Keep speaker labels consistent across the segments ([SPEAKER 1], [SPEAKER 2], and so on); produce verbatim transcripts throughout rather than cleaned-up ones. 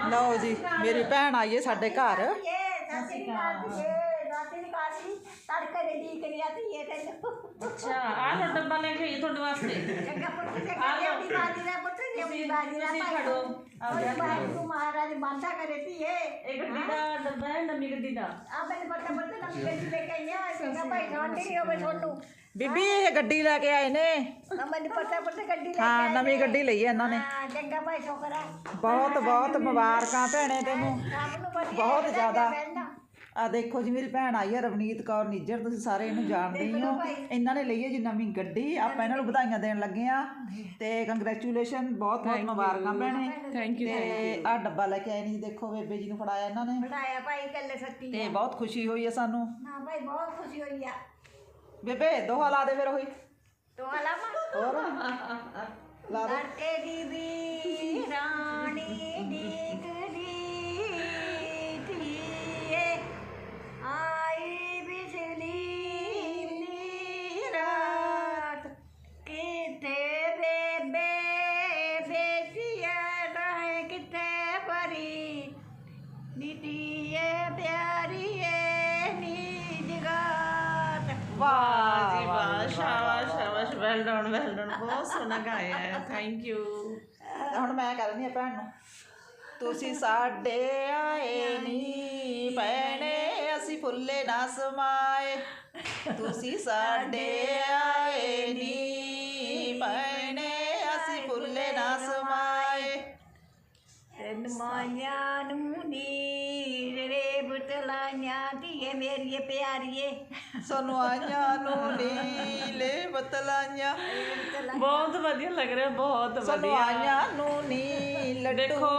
[SPEAKER 1] ਲਓ ਜੀ ਮੇਰੀ ਭੈਣ ਆਈ ਹੈ ਸਾਡੇ ਘਰ।
[SPEAKER 2] ਅੱਛਾ ਆ ਲੋ ਡੱਬਾ ਲੈ ਕੇ ਆਈ ਤੁਹਾਡੇ ਵਾਸਤੇ।
[SPEAKER 3] ਮਹਾਰਾਜ ਬਾਂਧਾ ਕਰੇ ਤੀ
[SPEAKER 2] ਇਹ ਗੱਡੀ ਦਾ ਡੱਬਾ ਹੈ ਨਵੀਂ ਗੱਡੀ ਦਾ।
[SPEAKER 3] ਆ ਮੈਨੂੰ ਪਤਾ ਪਤਾ ਨਵੀਂ ਗੱਡੀ ਲੈ ਕੇ ਆਈ ਆ ਚੰਗਾ ਭਾਈ ਛੋਟੀ ਹੋਵੇ ਤੁਹਾਨੂੰ
[SPEAKER 1] ਬੀਬੀ ਇਹ ਗੱਡੀ ਲੈ ਕੇ ਆਏ ਨੇ।
[SPEAKER 3] ਮੈਨੂੰ ਪਤਾ ਪਤਾ ਗੱਡੀ ਲੈ
[SPEAKER 1] ਹਾਂ ਨਵੀਂ ਗੱਡੀ ਲਈ ਹੈ ਇਹਨਾਂ ਨੇ।
[SPEAKER 3] ਹਾਂ ਚੰਗਾ ਭਾਈ ਛੋਕਰਾ
[SPEAKER 1] ਬਹੁਤ ਬਹੁਤ ਮੁਬਾਰਕਾਂ ਭੈਣੇ ਤੈਨੂੰ
[SPEAKER 3] ਸਭ ਨੂੰ ਵਧੀਆ
[SPEAKER 1] ਬਹੁਤ ਜ਼ਿਆਦਾ। ਆ ਦੇਖੋ ਜੀ ਮੇਰੀ ਭੈਣ ਆਈ ਹੈ ਰਵਨੀਤ ਕੌਰ ਨਿੱਜਰ, ਤੁਸੀਂ ਸਾਰੇ ਇਹਨੂੰ ਜਾਣਦੇ ਹੀ ਹੋ। ਇਹਨਾਂ ਨੇ ਲਈ ਹੈ ਜੀ ਨਵੀਂ ਗੱਡੀ, ਆਪਾਂ ਇਹਨਾਂ ਨੂੰ ਵਧਾਈਆਂ ਦੇਣ ਲੱਗੇ ਆ ਤੇ ਕੰਗ੍ਰੈਚੁਲੇਸ਼ਨ, ਬਹੁਤ ਬਹੁਤ ਮੁਬਾਰਕਾਂ ਭੈਣੇ।
[SPEAKER 2] Thank you.
[SPEAKER 1] ਤੇ ਆ ਡੱਬਾ ਲੈ ਕੇ ਆਏ ਨੇ ਜੀ, ਦੇਖੋ ਬੇਬੇ ਜੀ ਨੂੰ ਫੜਾਇਆ ਇਹਨਾਂ ਨੇ
[SPEAKER 3] ਬਣਾਇਆ ਭਾਈ ਕੱਲੇ ਸੱਤੀ
[SPEAKER 1] ਤੇ ਬਹੁਤ ਖੁਸ਼ੀ ਹੋਈ ਹੈ ਸਾਨੂੰ।
[SPEAKER 3] ਹਾਂ ਭਾਈ ਬਹੁਤ ਖੁਸ਼ੀ ਹੋਈ ਆ।
[SPEAKER 1] ਬੇਬੇ ਦੋਹਾ ਲਾ ਦੇ ਫਿਰ ਉਹੀ
[SPEAKER 3] ਤੋ ਹਲਾਮਾ
[SPEAKER 1] ਹੋਰ ਲਾ ਦੇ।
[SPEAKER 3] ਲੜਕੇ ਦੀ ਵੀ ਰਾਣੀ ਡਿਗਰੀ ਧੀਏ ਆਈ ਬਿਜਲੀ ਨੀ ਰਾਤ ਕਿਤੇ ਬੇਬੇ ਬੇਟੀਏ ਰਹੇ ਕਿਤੇ ਪਰੀ ਨੀਤੀਏ ਪਿਆਰੀਏ ਨੀ ਜਗਾਤ।
[SPEAKER 2] ਵਾਹ ਜੀ ਵਾਹ, ਸ਼ਾਬਾਸ਼ ਸ਼ਾਬਾਸ਼, ਵੈਲ ਡਨ ਵੈਲ ਡਨ, ਬਹੁਤ ਸੋਹਣਾ ਗਾਇਆ ਹੈ। Thank you.
[SPEAKER 1] ਹੁਣ ਮੈਂ ਕਰਨੀ ਆ ਭੈਣ ਨੂੰ। ਤੁਸੀਂ ਸਾਡੇ ਆਏ ਨੀ ਭੈਣੇ ਅਸੀਂ ਫੁੱਲੇ ਨਾ ਸਮਾਏ, ਤੁਸੀਂ ਸਾਡੇ ਆਏ ਨੀ ਭੈਣੇ ਅਸੀਂ ਫੁੱਲੇ ਨਾ ਸਮਾਏ।
[SPEAKER 3] ਤੈਨੂੰ ਮਾਇਆ ਨੂੰ ਨੀ ਰੇ ਬਤਲਾਈਆਂ ਧੀਏ ਮੇਰੀਏ ਪਿਆਰੀਏ
[SPEAKER 1] ਸਾਨੂੰ ਆਈਆਂ ਨੂੰ ਨੀਲੇ ਬਤਲਾਈਆਂ,
[SPEAKER 2] ਬਹੁਤ ਵਧੀਆ ਲੱਗ ਰਿਹਾ, ਬਹੁਤ
[SPEAKER 1] ਸਾਨੂੰ
[SPEAKER 2] ਵਧੀਆ।
[SPEAKER 1] ਆਈਆਂ ਨੂੰ ਨੀ ਲੱਡੂ
[SPEAKER 2] ਦੇਖੋ।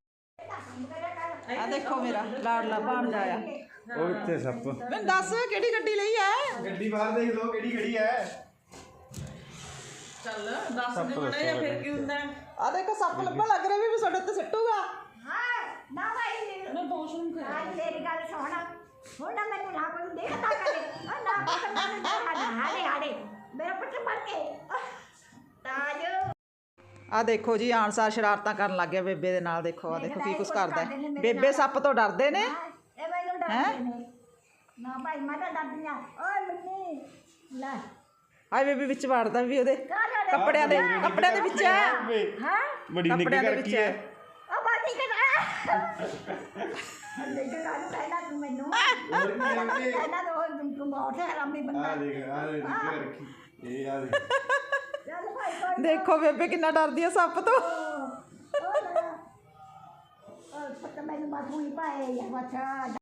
[SPEAKER 1] ਆ ਦੇਖੋ ਮੇਰਾ ਲਾਡਲਾ ਭਾਣਜਾ ਆਇਆ।
[SPEAKER 4] ਉਹ ਇੱਥੇ ਸੱਪ
[SPEAKER 1] ਮੈਨੂੰ ਦੱਸ ਕਿਹੜੀ ਗੱਡੀ ਲਈ ਐ?
[SPEAKER 4] ਗੱਡੀ ਬਾਹਰ ਦੇਖ ਲਓ ਕਿਹੜੀ ਖੜੀ ਹੈ।
[SPEAKER 2] ਚੱਲ ਦੱਸ ਦੇ ਮੜਾ ਜਾਂ ਫਿਰ ਕੀ ਹੁੰਦਾ।
[SPEAKER 1] ਆ ਦੇਖੋ ਸੱਪ ਲੱਭਣ ਲੱਗ ਰਿਹਾ ਵੀ ਸਾਡੇ ਉੱਤੇ ਸਿੱਟੂਗਾ।
[SPEAKER 3] ਹਾਂ ਨਾ ਭਾਈ
[SPEAKER 2] ਮੈਂ ਵਾਸ਼ਰੂਮ ਕਰ
[SPEAKER 3] ਅੱਜ ਮੇਰੀ ਗੱਲ ਸੁਣ ਹੁਣ ਨਾ ਮੈਨੂੰ ਨਾ ਕੋਈ ਦੇਖਦਾ ਕਰੇ ਆ ਨਾ ਕੋਈ ਮੈਨੂੰ ਹਾੜੇ ਹਾੜੇ ਹਾੜੇ ਮੇਰਾ ਪੁੱਤ ਮਰ ਕੇ ਤਾਜ।
[SPEAKER 1] ਆ ਦੇਖੋ ਜੀ ਆਨਸਾਰ ਸ਼ਰਾਰਤਾਂ ਕਰਨ ਲੱਗ ਗਿਆ ਬੇਬੇ ਦੇ ਨਾਲ। ਦੇਖੋ ਆ ਦੇਖੋ ਕੀ ਕੁਛ ਕਰਦਾ ਹੈ। ਬੇਬੇ ਸੱਪ ਤੋਂ ਡਰਦੇ ਨੇ।
[SPEAKER 3] ਇਹ ਮੈਨੂੰ ਡਰਦੇ ਨੇ ਨਾ ਭਾਈ ਮੈਂ ਤਾਂ ਡਰਦੀ ਆ। ਓਏ ਮੰਨੀ ਲੈ
[SPEAKER 1] ਹਾਏ ਬੇਬੇ ਵਿੱਚ ਵੜਦਾ ਵੀ ਉਹਦੇ ਕੱਪੜਿਆਂ ਦੇ ਕੱਪੜਿਆਂ ਦੇ ਵਿੱਚ ਹੈ।
[SPEAKER 3] ਹਾਂ
[SPEAKER 4] ਬੜੀ ਨਿੱਕੀ
[SPEAKER 1] ਕੱਪੜਿਆਂ ਦੇ
[SPEAKER 4] ਕਰ
[SPEAKER 1] ਵਿੱਚ
[SPEAKER 4] ਕੀ
[SPEAKER 1] ਹੈ।
[SPEAKER 4] ਹੈ।
[SPEAKER 3] ਆ ਬਾਤੀ ਕਰਾ ਦੇਖ ਕਾਹਨੂੰ ਪਹਿਲਾਂ ਤੂੰ ਮੈਨੂੰ
[SPEAKER 4] ਹੋਰ ਕੀ ਹੈ ਕਿ
[SPEAKER 3] ਪਹਿਲਾਂ ਤਾਂ ਉਹ ਤੂੰ ਬਹੁਤ ਹਰਾਮੀ ਬੰਦਾ।
[SPEAKER 4] ਆ ਦੇਖ ਆ ਦੇਖ ਨਿੱਕੀ ਰੱਖੀ ਇਹ ਆ ਦੇਖ।
[SPEAKER 3] ਚੱਲ ਭਾਈ ਕੋਈ
[SPEAKER 1] ਦੇਖੋ ਬੇਬੇ ਕਿੰਨਾ ਡਰਦੀ ਹੈ ਸੱਪ ਤੋਂ।
[SPEAKER 3] ਉਹ ਉਹ ਪਤਾ ਮੈਨੂੰ ਬਾਥੂ ਹੀ ਪਾਏ ਜਾਂ ਬੱਚਾ